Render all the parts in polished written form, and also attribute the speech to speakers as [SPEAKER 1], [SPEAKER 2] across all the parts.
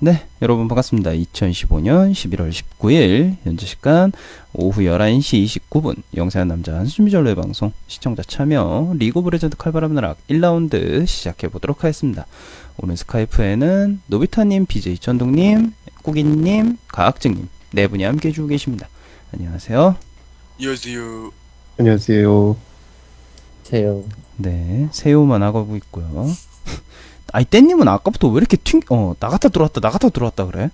[SPEAKER 1] 네, 여러분 반갑습니다. 2015년 11월 19일 현재 시간 오후 11시 29분 영세한 남자 한수미절로의 방송 시청자 참여 리그 오브 레전드 칼바람 나락 1라운드 시작해보도록 하겠습니다. 오늘 스카이프에는 노비타님, BJ 천둥님, 꾸기님, 가학증님 네 분이 함께 해주고 계십니다. 안녕하세요.
[SPEAKER 2] 안녕하세요.
[SPEAKER 3] 안녕하세요.
[SPEAKER 4] 세요.
[SPEAKER 1] 네, 새우만 하고 있고요. 아이 땐님은 아까부터 왜 이렇게 나갔다 들어왔다 그래?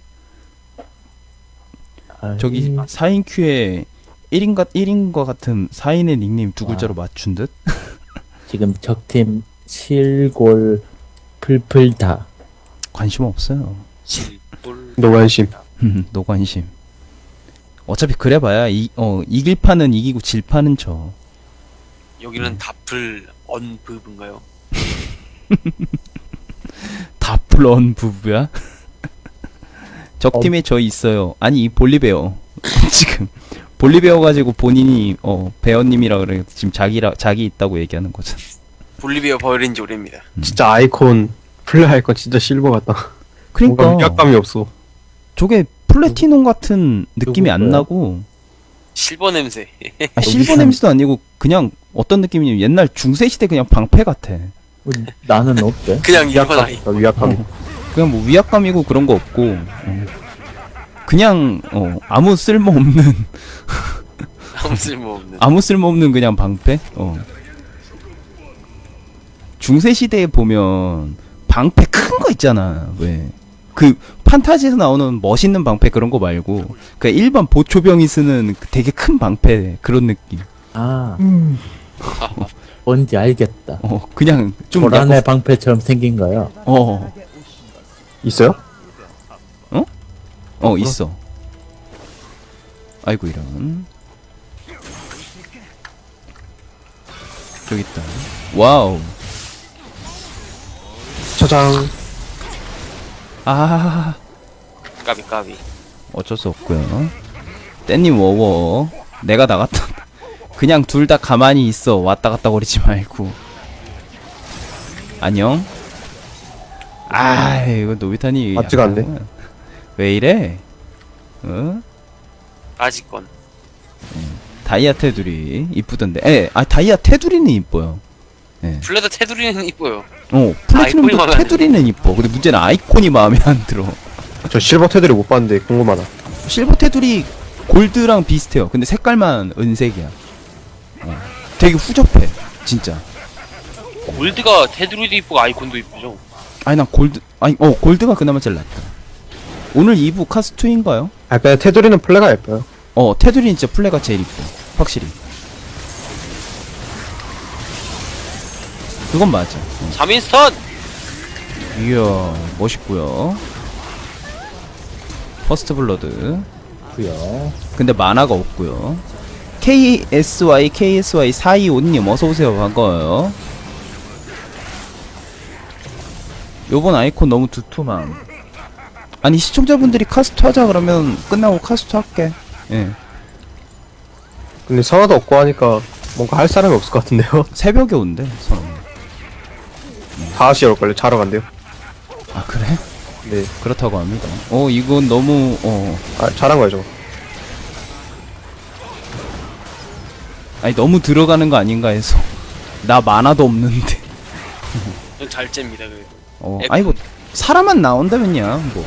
[SPEAKER 1] 저기 4인 큐에 1인과 같은 4인의 닉네임 두 글자로 맞춘 듯?
[SPEAKER 4] 지금 적팀 실골 풀풀다.
[SPEAKER 1] 관심 없어요.
[SPEAKER 2] 실볼.
[SPEAKER 3] 노관심.
[SPEAKER 1] 노관심. 어차피 그래봐야 이길 판은 이기고 질 판은 져.
[SPEAKER 2] 여기는 다플 언브인가요?
[SPEAKER 1] 다플런 부부야? 적팀에 저 있어요. 아니 볼리베어 지금 볼리베어 가지고 본인이 베어님이라 그래 지금 자기 있다고 얘기하는 거잖아.
[SPEAKER 2] 볼리비아 버린지 오래입니다.
[SPEAKER 3] 진짜 아이콘, 플레이 아이콘 진짜 실버 같다.
[SPEAKER 1] 그러니까
[SPEAKER 3] 뭔가 위압감이 없어.
[SPEAKER 1] 저게 플래티넘 같은 느낌이 안
[SPEAKER 4] 누구예요?
[SPEAKER 1] 나고
[SPEAKER 2] 실버 냄새.
[SPEAKER 1] 실버 냄새도 아니고 그냥 어떤 느낌이냐면 옛날 중세시대 그냥 방패 같아.
[SPEAKER 4] 나는 어때?
[SPEAKER 2] 그냥 일반 아이.
[SPEAKER 3] 위압감이.
[SPEAKER 1] 그냥 뭐 위압감이고 그런 거 없고 그냥 아무 쓸모없는
[SPEAKER 2] 아무 쓸모없는.
[SPEAKER 1] 아무 쓸모없는 그냥 방패. 중세시대에 보면 방패 큰 거 있잖아. 왜 그 판타지에서 나오는 멋있는 방패 그런 거 말고 그 일반 보초병이 쓰는 그 되게 큰 방패 그런 느낌.
[SPEAKER 4] 뭔지 알겠다.
[SPEAKER 1] 그냥 좀
[SPEAKER 4] 고란의
[SPEAKER 1] 약간
[SPEAKER 4] 방패처럼 생긴 거요.
[SPEAKER 3] 있어요?
[SPEAKER 1] 있어. 아이고 이런. 저기 있다. 와우.
[SPEAKER 3] 차장.
[SPEAKER 1] 아,
[SPEAKER 2] 까비.
[SPEAKER 1] 어쩔 수 없고요. 땐님 워워. 내가 나갔다. 그냥 둘 다 가만히 있어. 왔다 갔다 거리지 말고. 안녕. 아, 이거 노비타니.
[SPEAKER 3] 맞지가 않네.
[SPEAKER 1] 왜 이래?
[SPEAKER 2] 아직 건.
[SPEAKER 1] 다이아 테두리 이쁘던데. 다이아 테두리는 이뻐요.
[SPEAKER 2] 플레드 테두리는 이뻐요.
[SPEAKER 1] 플래티넘도
[SPEAKER 2] 아이콘이 마음에 안
[SPEAKER 1] 테두리는 이뻐. 근데 문제는 아이콘이 마음에 안 들어.
[SPEAKER 3] 저 실버 테두리 못 봤는데 궁금하다.
[SPEAKER 1] 실버 테두리 골드랑 비슷해요. 근데 색깔만 은색이야. 되게 후접해. 진짜.
[SPEAKER 2] 골드가 테두리도 이쁘고 아이콘도 이쁘죠.
[SPEAKER 1] 아니 난 골드가 그나마 제일 낫다. 오늘 2부 카스2인가요?
[SPEAKER 3] 그냥 테두리는 플레가 예뻐요.
[SPEAKER 1] 테두리는 진짜 플레가 제일 이뻐. 확실히. 그건 맞아.
[SPEAKER 2] 3인 스턴!
[SPEAKER 1] 이야 멋있고요. 퍼스트 블러드.
[SPEAKER 4] 고요.
[SPEAKER 1] 근데 만화가 없고요. KSY 425님 어서오세요. 반가워요. 요번 아이콘 너무 두툼함. 아니 시청자분들이 카스트 하자 그러면 끝나고 카스트 할게.
[SPEAKER 3] 근데 선화도 없고 하니까 뭔가 할 사람이 없을 것 같은데요?
[SPEAKER 1] 새벽에 온대 선언.
[SPEAKER 3] 5시에 올걸요? 자러 간대요.
[SPEAKER 1] 아 그래?
[SPEAKER 3] 네.
[SPEAKER 1] 그렇다고 합니다. 이건 너무
[SPEAKER 3] 잘한 거예요, 저거.
[SPEAKER 1] 아니 너무 들어가는 거 아닌가 해서 나 만화도 없는데.
[SPEAKER 2] 잘 잽니다, 그래도.
[SPEAKER 1] 아니 뭐 사람만 나온다면야 뭐.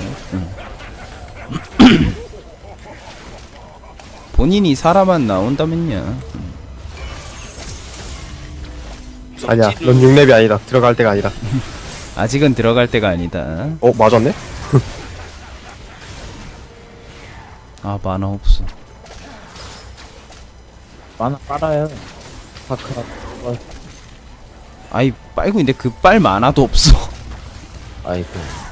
[SPEAKER 1] 본인이 사람만 나온다면야.
[SPEAKER 3] 아니야, 넌 6렙이 아니다. 들어갈 때가 아니다.
[SPEAKER 1] 아직은 들어갈 때가 아니다.
[SPEAKER 3] 맞았네?
[SPEAKER 1] 아 만화 없어.
[SPEAKER 4] 만화 빨아요. 사크라.
[SPEAKER 1] 아이 빨고 있는데 그 빨 만화도 없어.
[SPEAKER 4] 아이고.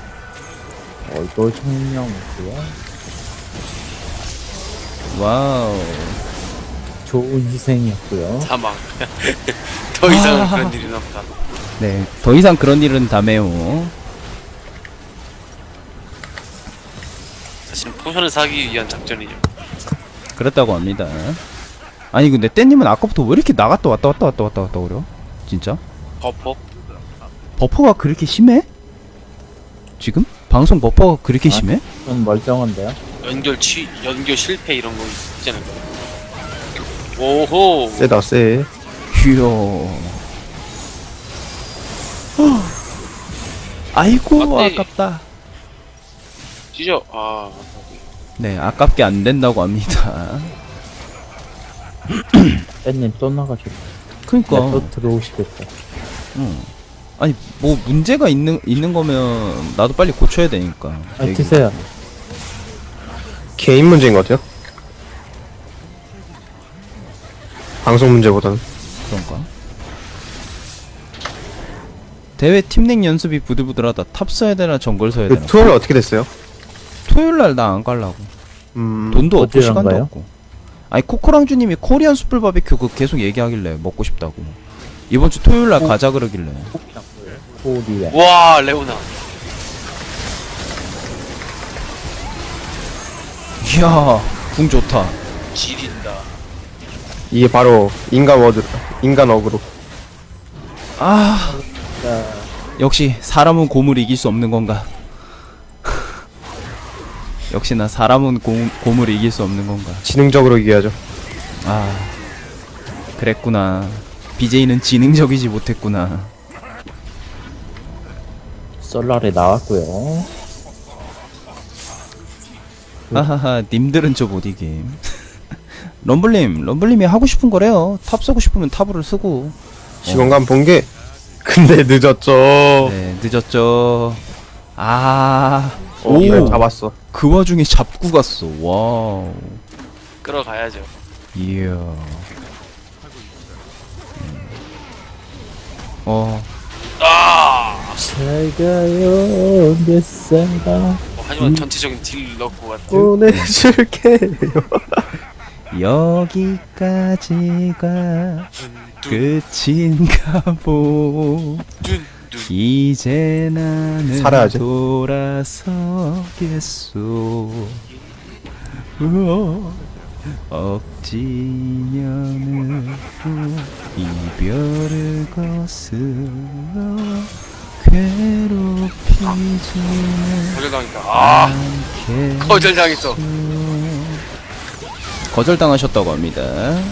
[SPEAKER 4] 얼굴 총명이고요.
[SPEAKER 1] 와우.
[SPEAKER 4] 좋은 희생이었고요.
[SPEAKER 2] 사망. 더 이상은 그런 일은 없다.
[SPEAKER 1] 네, 더 이상 그런 일은 다메오.
[SPEAKER 2] 사실 포션을 사기 위한 작전이죠.
[SPEAKER 1] 그렇다고 합니다. 아니 근데 땐님은 아까부터 왜 이렇게 나갔다 왔다 그래요? 진짜?
[SPEAKER 2] 버퍼?
[SPEAKER 1] 버퍼가 그렇게 심해? 지금? 방송 버퍼가 그렇게 심해?
[SPEAKER 4] 좀 멀쩡한데요?
[SPEAKER 2] 연결 실패 이런 거 있잖아요. 오호.
[SPEAKER 3] 세다 세.
[SPEAKER 1] 귀여워. 아이고
[SPEAKER 2] 맞네.
[SPEAKER 1] 아깝다.
[SPEAKER 2] 찢어. 아.
[SPEAKER 1] 네, 아깝게 안 된다고 합니다.
[SPEAKER 4] 팬님 또 나가셨다.
[SPEAKER 1] 그러니까.
[SPEAKER 4] 또 들어오시겠다.
[SPEAKER 1] 아니 뭐 문제가 있는 거면 나도 빨리 고쳐야 되니까.
[SPEAKER 4] 아, 드세요.
[SPEAKER 3] 개인 문제인 것 같아요. 방송 문제보다는.
[SPEAKER 1] 그런가? 대회 팀넥 연습이 부들부들하다. 탑 써야 되나 정글 써야 되나?
[SPEAKER 3] 그 투어는 어떻게 됐어요?
[SPEAKER 1] 토요일 날 나 안 갈라고. 돈도 없고
[SPEAKER 4] 어디랑
[SPEAKER 1] 시간도
[SPEAKER 4] 가요?
[SPEAKER 1] 없고. 아니 코코랑주님이 코리안 숯불 바비큐 그 계속 얘기하길래 먹고 싶다고. 이번 주 토요일 날 가자 그러길래.
[SPEAKER 4] 코리아.
[SPEAKER 2] 와 레오나.
[SPEAKER 1] 이야, 궁 좋다.
[SPEAKER 2] 지린다.
[SPEAKER 3] 이게 바로 인간 어그로.
[SPEAKER 1] 아, 역시 사람은 고물을 이길 수 없는 건가? 역시나 사람은 고물을 이길 수 없는 건가?
[SPEAKER 3] 지능적으로 이겨야죠.
[SPEAKER 1] 아, 그랬구나. BJ는 지능적이지 못했구나.
[SPEAKER 4] 솔라레 나왔고요.
[SPEAKER 1] 하하하, 님들은 저 못 이김. 럼블님이 하고 싶은 거래요. 탑 쓰고 싶으면 탑으로 쓰고.
[SPEAKER 3] 시공간 본 게. 근데 늦었죠.
[SPEAKER 1] 네, 늦었죠. 아,
[SPEAKER 3] 오, 네, 잡았어.
[SPEAKER 1] 그 와중에 잡고 갔어. 와우.
[SPEAKER 2] 끌어가야죠.
[SPEAKER 1] 이야.
[SPEAKER 2] 아.
[SPEAKER 4] 잘 가요, 내 사랑.
[SPEAKER 2] 하지만 전체적인 딜 넣고 왔다.
[SPEAKER 3] 보내줄게요.
[SPEAKER 1] 여기까지가 끝인가 보. 이제 나는
[SPEAKER 3] 살아야지.
[SPEAKER 1] 돌아서겠소. 억지면은 이별을 거슬러 괴롭히지는
[SPEAKER 2] 거절당했다. 아.
[SPEAKER 1] 않게.
[SPEAKER 2] 거절당했어.
[SPEAKER 1] 거절당하셨다고 합니다.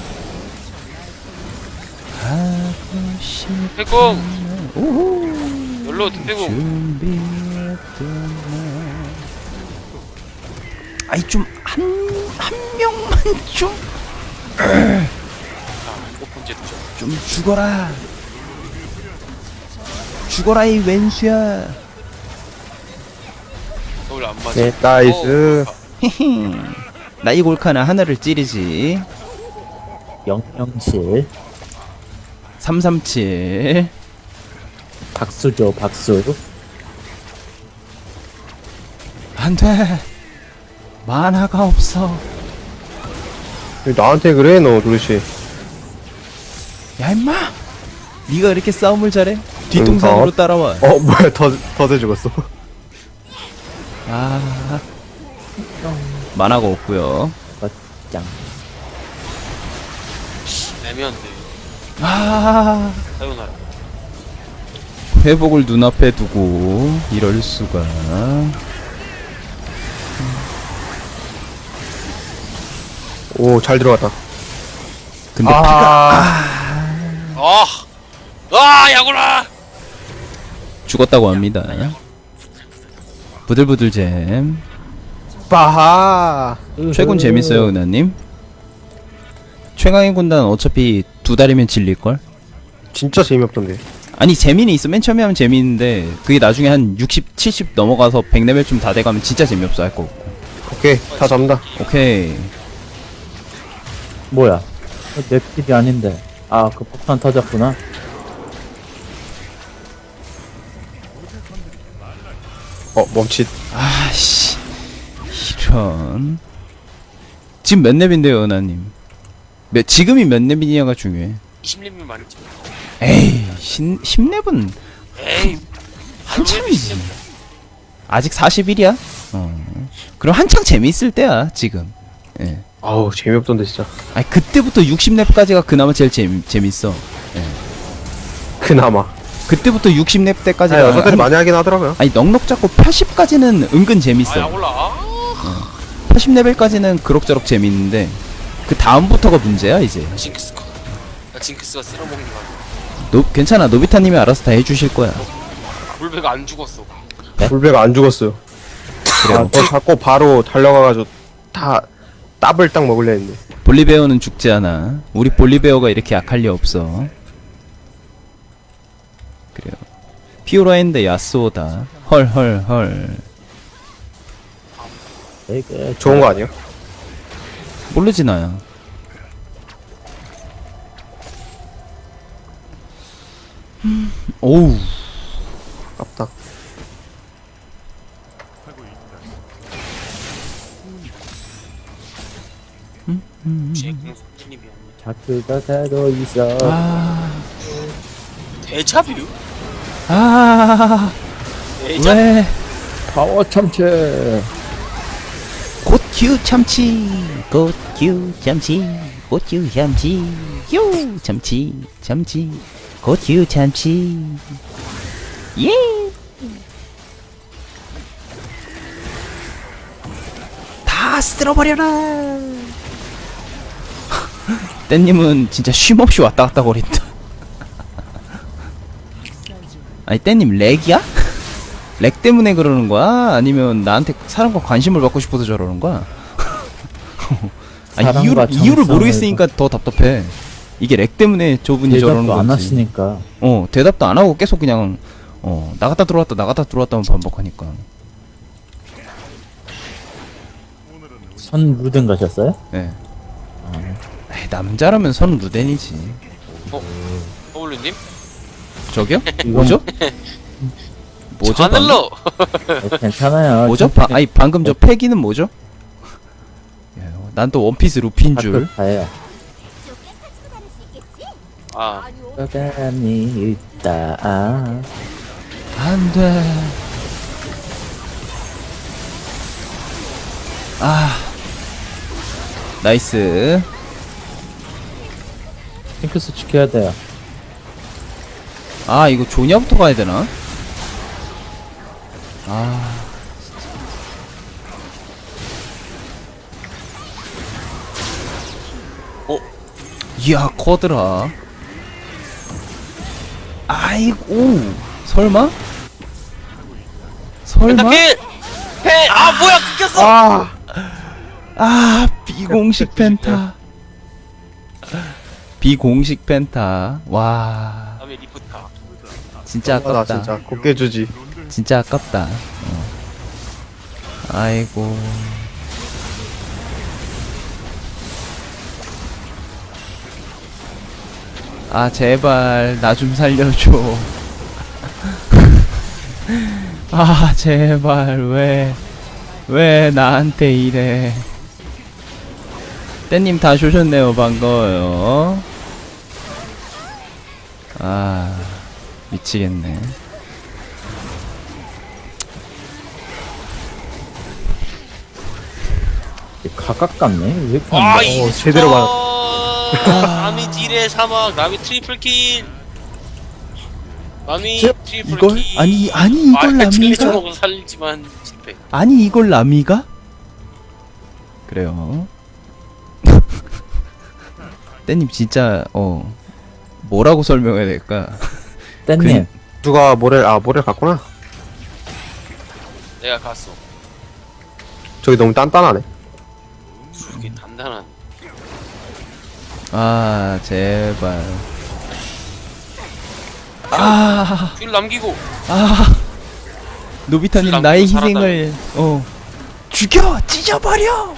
[SPEAKER 1] 하고 싶은
[SPEAKER 2] 태공.
[SPEAKER 1] 오호
[SPEAKER 2] 열로 등대공.
[SPEAKER 1] 준비했던 날. 아이 좀 한 명만 좀
[SPEAKER 2] 오픈제 두죠.
[SPEAKER 1] 좀 죽어라. 죽어라 이 왼수야.
[SPEAKER 2] 서울 안 맞아.
[SPEAKER 4] 네,
[SPEAKER 3] 나이스.
[SPEAKER 1] 히히. 나이 골카나 하나를 찌르지.
[SPEAKER 4] 007.
[SPEAKER 1] 337.
[SPEAKER 4] 박수죠, 박수.
[SPEAKER 1] 안돼. 만화가 없어.
[SPEAKER 3] 왜 나한테 그래 너 도대체.
[SPEAKER 1] 야 임마. 네가 이렇게 싸움을 잘해? 뒷동산으로 따라와.
[SPEAKER 3] 뭐야 더 죽었어.
[SPEAKER 1] 아. 만화가 없고요.
[SPEAKER 4] 짱.
[SPEAKER 2] 애매한데.
[SPEAKER 1] 아.
[SPEAKER 2] 사요나라.
[SPEAKER 1] 회복을 눈앞에 두고 이럴 수가.
[SPEAKER 3] 오 잘 들어갔다.
[SPEAKER 1] 근데 피가
[SPEAKER 2] 야구라.
[SPEAKER 1] 죽었다고 합니다. 부들부들잼.
[SPEAKER 3] 빠하.
[SPEAKER 1] 최군 재밌어요, 은하님. 최강의 군단 어차피 2달이면 질릴걸?
[SPEAKER 3] 진짜 재미없던데.
[SPEAKER 1] 아니 재미는 있어. 맨 처음에 하면 재미있는데 그게 나중에 한 60, 70 넘어가서 100레벨쯤 다 돼가면 진짜 재미없어 할 거 없고.
[SPEAKER 3] 오케이 다 잡는다.
[SPEAKER 1] 오케이.
[SPEAKER 4] 뭐야? 내 필이 아닌데. 아, 그 폭탄 터졌구나.
[SPEAKER 3] 멈칫.
[SPEAKER 1] 아씨 이런. 지금 몇 렙인데요, 은하님? 지금이 몇 렙이냐가 중요해.
[SPEAKER 2] 20렙이면 많지.
[SPEAKER 1] 에이 10렙은
[SPEAKER 2] 에이.
[SPEAKER 1] 한참이지. 아직 41이야? 그럼 한창 재미있을 때야 지금. 예.
[SPEAKER 3] 아우 재미없던데 진짜.
[SPEAKER 1] 아니 그때부터 60렙까지가 그나마 제일 재밌어.
[SPEAKER 3] 그나마.
[SPEAKER 1] 그때부터 60렙 때까지
[SPEAKER 3] 아, 여자들이 많이 하긴 하더라고요.
[SPEAKER 1] 아니 넉넉 잡고 80까지는 은근
[SPEAKER 2] 아야
[SPEAKER 1] 재밌어.
[SPEAKER 2] 올라.
[SPEAKER 1] 80레벨까지는 그럭저럭 재밌는데 그 다음부터가 문제야 이제.
[SPEAKER 2] 징크스가. 나 징크스가 쓸어먹는 거 같아.
[SPEAKER 1] 괜찮아, 노비타님이 알아서 다 해주실 거야.
[SPEAKER 2] 물배가 안 죽었어.
[SPEAKER 3] 불배가 안 죽었어요. 아, 저 자꾸 바로 달려가가지고 다 더블 딱 먹을려 했는데.
[SPEAKER 1] 볼리베어는 죽지 않아. 우리 볼리베어가 이렇게 약할 리 없어. 그래요. 피오라인데 야스오다. 헐헐헐.
[SPEAKER 4] 되게
[SPEAKER 3] 좋은 거 아니에요?
[SPEAKER 1] 모르지 나야. 오우.
[SPEAKER 3] 아깝다.
[SPEAKER 2] 제 공수님이야.
[SPEAKER 4] 자크가 새도 있어.
[SPEAKER 2] 대자뷰? 대자.
[SPEAKER 1] 왜?
[SPEAKER 4] 파워 참치.
[SPEAKER 1] 곧큐 참치, 곧큐 참치, 곧큐 참치, 요 참치, 참치, 곧큐 참치. 예. 다 쓸어버려라. 땐님은 진짜 쉼없이 왔다 갔다 거린다. 아니 땐님 렉이야? 렉 때문에 그러는 거야? 아니면 나한테 사람과 관심을 받고 싶어서 저러는 거야? 아니
[SPEAKER 4] 사람과
[SPEAKER 1] 이유를
[SPEAKER 4] 정상을
[SPEAKER 1] 모르겠으니까 더 답답해. 이게 렉 때문에 저분이 저러는
[SPEAKER 4] 대답도
[SPEAKER 1] 거지.
[SPEAKER 4] 안 하시니까.
[SPEAKER 1] 대답도 안 하고 계속 그냥 나갔다 들어왔다만 반복하니까.
[SPEAKER 4] 선 루덴 가셨어요?
[SPEAKER 1] 예. 에이, 남자라면 선 루덴이지.
[SPEAKER 2] 어울리님?
[SPEAKER 1] 저기요?
[SPEAKER 4] 이건-
[SPEAKER 1] 뭐죠? 뭐죠?
[SPEAKER 2] 하늘로.
[SPEAKER 4] 괜찮아요.
[SPEAKER 1] 뭐죠? 아니 방금 저 패기는 뭐죠? 난 또 원피스 루피인 줄.
[SPEAKER 4] 다예요.
[SPEAKER 2] 아
[SPEAKER 4] 사람이 있다.
[SPEAKER 1] 안 돼. 나이스.
[SPEAKER 4] 핑크스 지켜야 돼요.
[SPEAKER 1] 이거 조냐부터 가야 되나? 이야, 커드라. 아이고, 설마?
[SPEAKER 2] 펜타킬! 아 뭐야 끊겼어!
[SPEAKER 1] 비공식 펜타. 비공식 펜타. 와,
[SPEAKER 2] 다음에 리프타.
[SPEAKER 1] 진짜
[SPEAKER 3] 나
[SPEAKER 1] 아깝다.
[SPEAKER 3] 진짜 곱게 주지.
[SPEAKER 1] 진짜 아깝다. 아이고. 제발 나 좀 살려줘. 제발 왜 나한테 이래. 떼님 다시 오셨네요. 반가워요. 미치겠네.
[SPEAKER 4] 각각 같네. 왜 이렇게 안
[SPEAKER 2] 아
[SPEAKER 4] 돼?
[SPEAKER 2] 이게
[SPEAKER 3] 제대로
[SPEAKER 2] 남이 딜의 사막, 남이 트리플킬. 남이
[SPEAKER 1] 이걸?
[SPEAKER 2] 트리플킬.
[SPEAKER 1] 아니 이걸
[SPEAKER 2] 틀리지
[SPEAKER 1] 남이가?
[SPEAKER 2] 먹고 살리지만 실패.
[SPEAKER 1] 아니 이걸 남이가? 그래요. 떼님 진짜 뭐라고 설명해야 될까?
[SPEAKER 4] 땐님
[SPEAKER 3] 누가 모래를 갔구나.
[SPEAKER 2] 내가 갔어.
[SPEAKER 3] 저기 너무 단단하네.
[SPEAKER 2] 이게 단단한.
[SPEAKER 1] 제발.
[SPEAKER 2] 줄 남기고.
[SPEAKER 1] 노비타님
[SPEAKER 2] 남기고
[SPEAKER 1] 나의
[SPEAKER 2] 살았다며.
[SPEAKER 1] 희생을 죽여! 찢어버려!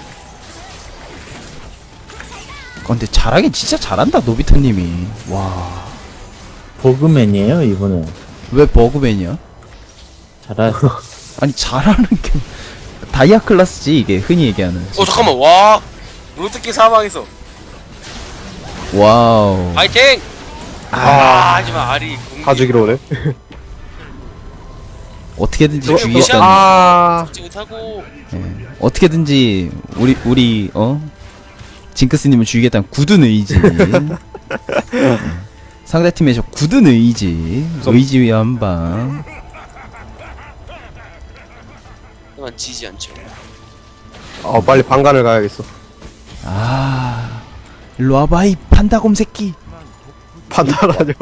[SPEAKER 1] 근데 잘하긴 진짜 잘한다 노비타님이. 와,
[SPEAKER 4] 버그맨이에요 이분은.
[SPEAKER 1] 왜 버그맨이야?
[SPEAKER 4] 잘하.
[SPEAKER 1] 아니 잘하는 게 다이아 클라스지 이게 흔히 얘기하는.
[SPEAKER 2] 잠깐만 와. 로드키 사망했어.
[SPEAKER 1] 와우.
[SPEAKER 2] 파이팅! 하지마 아리.
[SPEAKER 3] 다 죽이러 오네.
[SPEAKER 1] 어떻게든지
[SPEAKER 2] 저거
[SPEAKER 1] 죽이겠다는.
[SPEAKER 2] 죽지 못하고.
[SPEAKER 1] 어떻게든지 우리 징크스님을 죽이겠다는 굳은 의지. 상대팀의 저 굳은 의지 위에 한방.
[SPEAKER 2] 하지만 지지 않죠.
[SPEAKER 3] 빨리 방간을 가야겠어.
[SPEAKER 1] 아 일로 와봐 이 판다곰 새끼.
[SPEAKER 3] 판단하죠.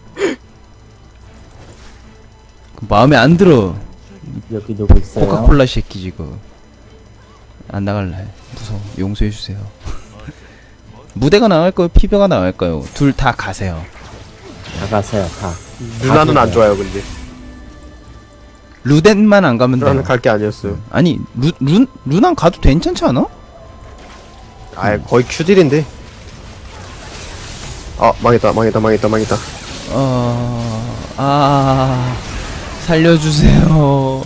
[SPEAKER 1] 마음에 안 들어.
[SPEAKER 4] 여기 누구 있어요?
[SPEAKER 1] 코카콜라 새끼 지금. 안 나갈래. 무서워. 용서해주세요. 무대가 나갈까요? 피벼가 나갈까요? 둘 다 가세요.
[SPEAKER 4] 다 가세요, 다.
[SPEAKER 3] 누나는 안 좋아요, 근데.
[SPEAKER 1] 루덴만 안 가면
[SPEAKER 3] 누나는
[SPEAKER 1] 돼요.
[SPEAKER 3] 갈 게 아니었어요.
[SPEAKER 1] 아니 루난 가도 괜찮지 않아?
[SPEAKER 3] 아, 거의 큐딜인데. 망했다.
[SPEAKER 1] 살려주세요.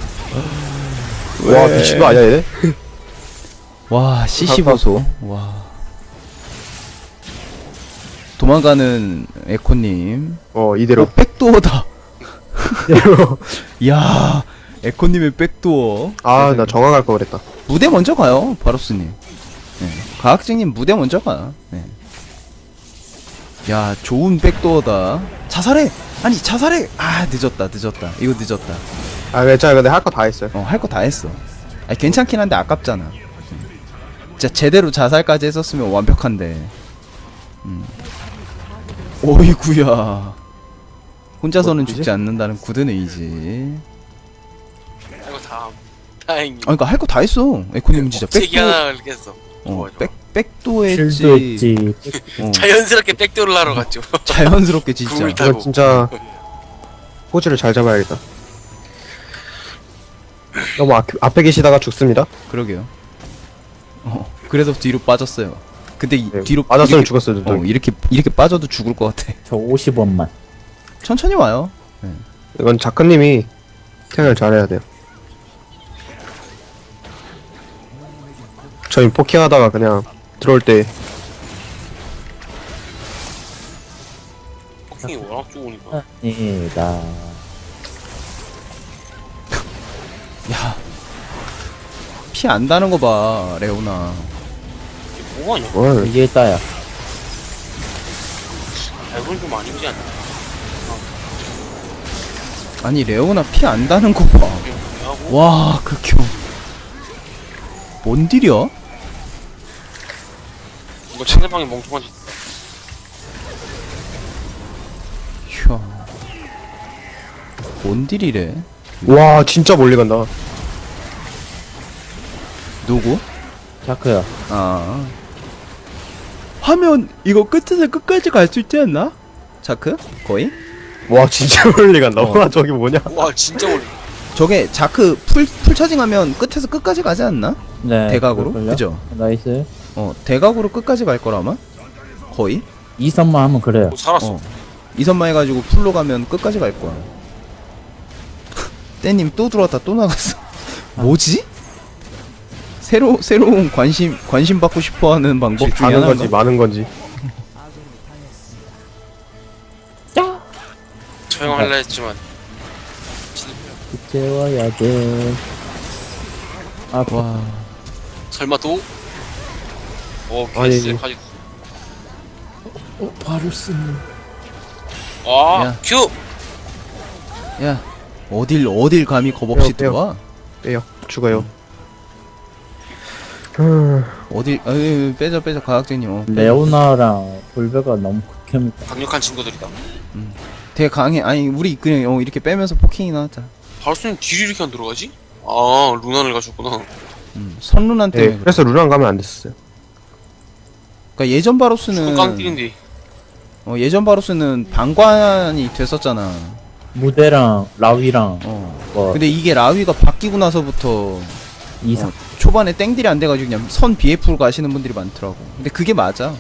[SPEAKER 3] 와, 미친 거 아니야, 얘?
[SPEAKER 1] 와 CC 보소. 와 도망가는 에코님.
[SPEAKER 3] 이대로.
[SPEAKER 1] 백도어다. 야 에코님의 백도어.
[SPEAKER 3] 나 정화갈 거 그랬다.
[SPEAKER 1] 무대 먼저 가요 바로스님. 네. 과학쟁님 무대 먼저 가. 네. 야 좋은 백도어다. 자살해. 아니 자살해. 늦었다. 이거 늦었다.
[SPEAKER 3] 괜찮아. 근데 할 거 다 했어요.
[SPEAKER 1] 할 거 다 했어. 아니 괜찮긴 한데 아깝잖아. 진짜 제대로 자살까지 했었으면 완벽한데. 오이구야. 혼자서는
[SPEAKER 3] 뭐지?
[SPEAKER 1] 죽지 않는다는 굳은 의지.
[SPEAKER 2] 이거 다 다행히.
[SPEAKER 1] 그러니까 할 거 다 했어. 에코님은 진짜
[SPEAKER 2] 억제기
[SPEAKER 1] 백도.
[SPEAKER 2] 하나 걸겠어. 좋아.
[SPEAKER 1] 백도
[SPEAKER 4] 실도
[SPEAKER 1] 했지.
[SPEAKER 4] 있지.
[SPEAKER 2] 자연스럽게 백도를 하러 갔죠.
[SPEAKER 1] 자연스럽게 진짜.
[SPEAKER 2] 굴
[SPEAKER 3] 이거
[SPEAKER 2] 타고.
[SPEAKER 3] 진짜 포즈를 잘 잡아야겠다. 너무 앞에 계시다가 죽습니다.
[SPEAKER 1] 그러게요. 그래서 뒤로 빠졌어요. 근데
[SPEAKER 3] 네,
[SPEAKER 1] 뒤로
[SPEAKER 3] 맞았으면
[SPEAKER 1] 이렇게-
[SPEAKER 3] 죽었어요. 눈덩이.
[SPEAKER 1] 이렇게 빠져도 죽을 것 같아.
[SPEAKER 4] 저 50원만.
[SPEAKER 1] 천천히 와요.
[SPEAKER 3] 이건 자크님이 생각을 잘해야 돼요. 저희 포킹하다가 그냥 들어올 때
[SPEAKER 2] 폭킹이 워낙 좋으니까.
[SPEAKER 4] 아니다.
[SPEAKER 1] 야, 피 안 다는 거 봐, 레오나.
[SPEAKER 2] 이게 뭐하냐?
[SPEAKER 3] 뭘
[SPEAKER 4] 이게 따야.
[SPEAKER 2] 이건 좀 아니지 않나?
[SPEAKER 1] 아니 레오나 피 안 다는 거 봐.
[SPEAKER 2] 이게 하고
[SPEAKER 1] 와, 극혐. 뭔 딜이야?
[SPEAKER 2] 이거 상대방이 멍청한 짓.
[SPEAKER 1] 휴. 뭔 딜이래?
[SPEAKER 3] 와 진짜 멀리 간다.
[SPEAKER 1] 누구?
[SPEAKER 4] 자크야.
[SPEAKER 1] 하면 이거 끝에서 끝까지 갈 수 있지 않나? 자크? 거의?
[SPEAKER 3] 와 진짜 멀리 간다.
[SPEAKER 1] 어.
[SPEAKER 3] 와 저기 뭐냐?
[SPEAKER 2] 와 진짜 멀리.
[SPEAKER 1] 저게 자크 풀 차징하면 끝에서 끝까지 가지 않나?
[SPEAKER 4] 네.
[SPEAKER 1] 대각으로?
[SPEAKER 4] 그럴걸요?
[SPEAKER 1] 그죠?
[SPEAKER 4] 나이스.
[SPEAKER 1] 대각으로 끝까지 갈 거라마? 거의?
[SPEAKER 4] 2선만 하면 그래요.
[SPEAKER 2] 오, 살았어.
[SPEAKER 1] 이선만 해가지고 풀로 가면 끝까지 갈 거야. 떼님 또 들어왔다 또 나갔어. 뭐지? 새로운 관심 받고 싶어하는 방법 중에
[SPEAKER 3] 가는
[SPEAKER 1] 하나인가?
[SPEAKER 3] 건지 많은 건지.
[SPEAKER 2] 처형할라 했지만
[SPEAKER 4] 이제 와야 돼.
[SPEAKER 1] 와,
[SPEAKER 2] 설마 또?
[SPEAKER 3] 아니,
[SPEAKER 2] 개쎄까지.
[SPEAKER 4] 바루스.
[SPEAKER 1] 야.
[SPEAKER 2] 큐.
[SPEAKER 1] 야, 어딜 감히 겁 없이
[SPEAKER 3] 빼요.
[SPEAKER 1] 들어와?
[SPEAKER 3] 빼요. 죽어요.
[SPEAKER 1] 빼자 과학쟁님.
[SPEAKER 4] 레오나랑 볼베가 너무 극혐이다.
[SPEAKER 2] 강력한 친구들이다.
[SPEAKER 1] 되게 강해. 아니 우리 그냥 이렇게 빼면서 포킹이나 하자.
[SPEAKER 2] 바로스는 딜이 이렇게 안 들어가지? 아 루난을 가셨구나.
[SPEAKER 1] 선룬한 때문에.
[SPEAKER 3] 네, 그래서 루랑 가면 안 됐어요.
[SPEAKER 1] 그러니까 예전 바로스는
[SPEAKER 2] 깡딜인데.
[SPEAKER 1] 예전 바로스는 방관이 됐었잖아.
[SPEAKER 4] 무대랑 라위랑 뭐
[SPEAKER 1] 근데 이게 라위가 바뀌고 나서부터
[SPEAKER 4] 이상.
[SPEAKER 1] 초반에 땡딜이 안 돼가지고 그냥 선 BF로 가시는 분들이 많더라고. 근데 그게 맞아.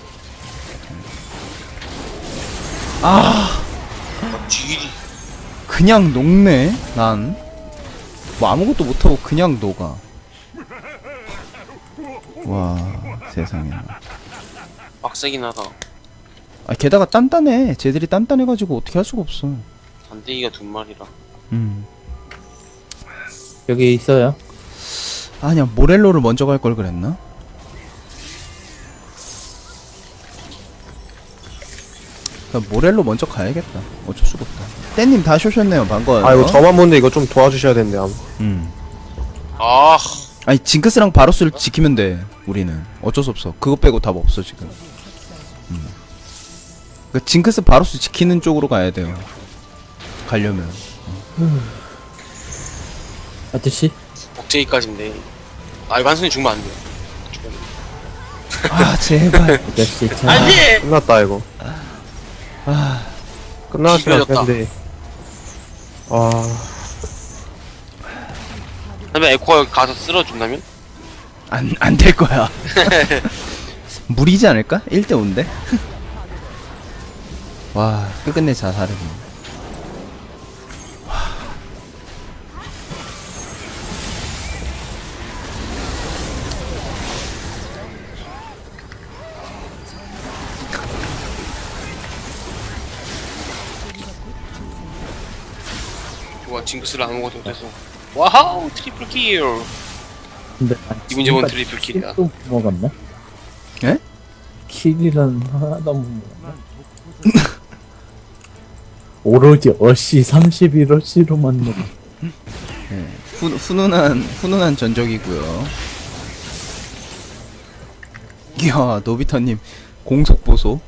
[SPEAKER 2] 딜이.
[SPEAKER 1] 그냥 녹네. 난 뭐 아무것도 못하고 그냥 녹아. 와 세상에.
[SPEAKER 2] 빡세긴 하다.
[SPEAKER 1] 게다가 단단해. 쟤들이 단단해가지고 어떻게 할 수가 없어.
[SPEAKER 2] 단대기가 두 마리라.
[SPEAKER 4] 여기 있어요.
[SPEAKER 1] 아니야 모렐로를 먼저 갈 걸 그랬나? 나 모렐로 먼저 가야겠다. 어쩔 수가 없다. 떼님 다 쇼셨네요. 반가워요.
[SPEAKER 3] 아 이거 저만 보는데 이거 좀 도와주셔야 되는데
[SPEAKER 2] 아,
[SPEAKER 1] 아니 징크스랑 바로스를 지키면 돼. 우리는 어쩔 수 없어. 그거 빼고 답 없어 지금. 그 징크스 바로스 지키는 쪽으로 가야 돼요. 가려면.
[SPEAKER 4] 아저씨?
[SPEAKER 2] 억제기까지인데. 아, 이거 한순이 죽으면 안 돼요.
[SPEAKER 1] 아 제발.
[SPEAKER 4] 아저씨 참.
[SPEAKER 2] 돼!
[SPEAKER 3] 끝났다 이거. 끝났으면
[SPEAKER 2] 기다렸다.
[SPEAKER 3] 텐데. 아
[SPEAKER 2] 그다음에 에코가 여기 가서 쓸어준다면?
[SPEAKER 1] 안 될 거야. 무리지 않을까? 1대 5인데. 와 끝끝내 자살을.
[SPEAKER 2] 좋아, 징크스를 아무것도 못해서. 와우, 트리플 킬!
[SPEAKER 4] 근데 난
[SPEAKER 2] 기분 좋은
[SPEAKER 4] 지금까지
[SPEAKER 2] 트리플 킬이야.
[SPEAKER 4] 킬도 못 먹었네?
[SPEAKER 1] 예?
[SPEAKER 4] 킬이란 하나도 못 먹었네. 오로지 어시 31어시로만 먹어.
[SPEAKER 1] 훈훈한 전적이고요. 이야 노비타님 공속 보소.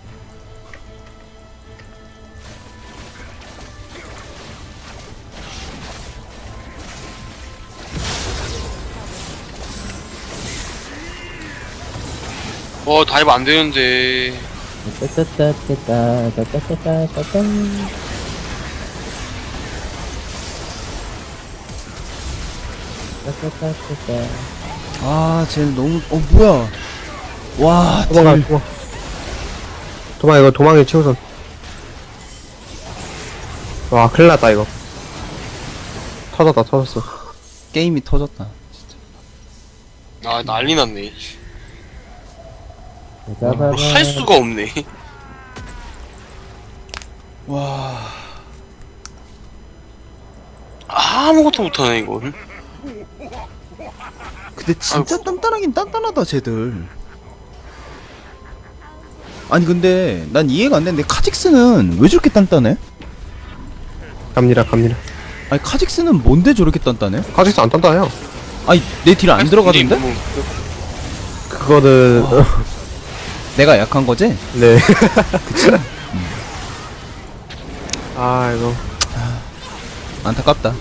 [SPEAKER 2] 다이브 안 되는데.
[SPEAKER 4] 따따따따따따따따따따. 따따따따따.
[SPEAKER 1] 아 쟤는 너무 뭐야. 와
[SPEAKER 3] 도망가
[SPEAKER 1] 딜.
[SPEAKER 3] 도망 이거 도망이 최우선. 와 큰일났다 이거. 터졌어.
[SPEAKER 1] 게임이 터졌다.
[SPEAKER 2] 아, 난리 났네.
[SPEAKER 4] 짜바바.
[SPEAKER 2] 할 수가 없네.
[SPEAKER 1] 와
[SPEAKER 2] 아무것도 못하네, 이건.
[SPEAKER 1] 근데 진짜 단단하긴 단단하다 쟤들. 아니 근데 난 이해가 안 되는데 카직스는 왜 저렇게 단단해?
[SPEAKER 3] 갑니다.
[SPEAKER 1] 아니 카직스는 뭔데 저렇게 단단해?
[SPEAKER 3] 카직스 안 단단해요.
[SPEAKER 1] 아니 내 딜 안 들어가던데?
[SPEAKER 2] 너무-
[SPEAKER 3] 그거는
[SPEAKER 1] 내가 약한 거지?
[SPEAKER 3] 네. 그치? 아 이거
[SPEAKER 1] 안타깝다.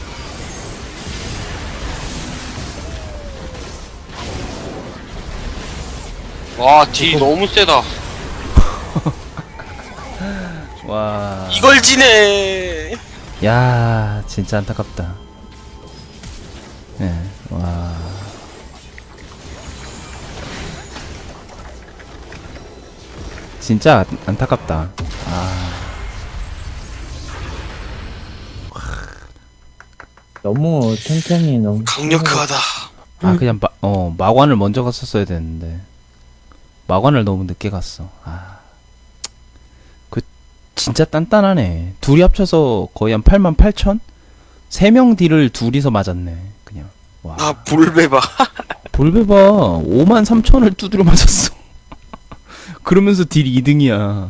[SPEAKER 2] 와, 딜이 너무 세다.
[SPEAKER 1] 와.
[SPEAKER 2] 이걸 지네!
[SPEAKER 1] 야, 진짜 안타깝다. 예, 와. 진짜 안타깝다. 아,
[SPEAKER 4] 너무 탱탱이 너무
[SPEAKER 2] 강력하다.
[SPEAKER 1] 그냥 마관을 먼저 갔었어야 되는데. 마관을 너무 늦게 갔어. 아. 그, 진짜 단단하네. 둘이 합쳐서 거의 한 88,000? 3명 딜을 둘이서 맞았네. 그냥. 와.
[SPEAKER 2] 아, 볼베바.
[SPEAKER 1] 볼베바 53,000을 두드려 맞았어. 그러면서 딜 2등이야.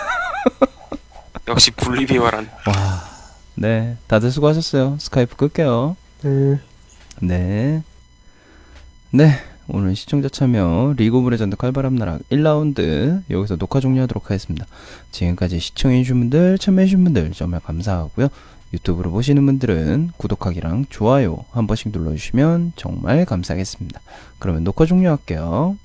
[SPEAKER 2] 역시 볼리비아란.
[SPEAKER 1] 와. 네. 다들 수고하셨어요. 스카이프 끌게요.
[SPEAKER 3] 네.
[SPEAKER 1] 네. 네. 오늘 시청자 참여 리그 오브 레전드 칼바람 나락 1라운드 여기서 녹화 종료하도록 하겠습니다. 지금까지 시청해주신 분들, 참여해주신 분들 정말 감사하고요. 유튜브로 보시는 분들은 구독하기랑 좋아요 한 번씩 눌러주시면 정말 감사하겠습니다. 그러면 녹화 종료할게요.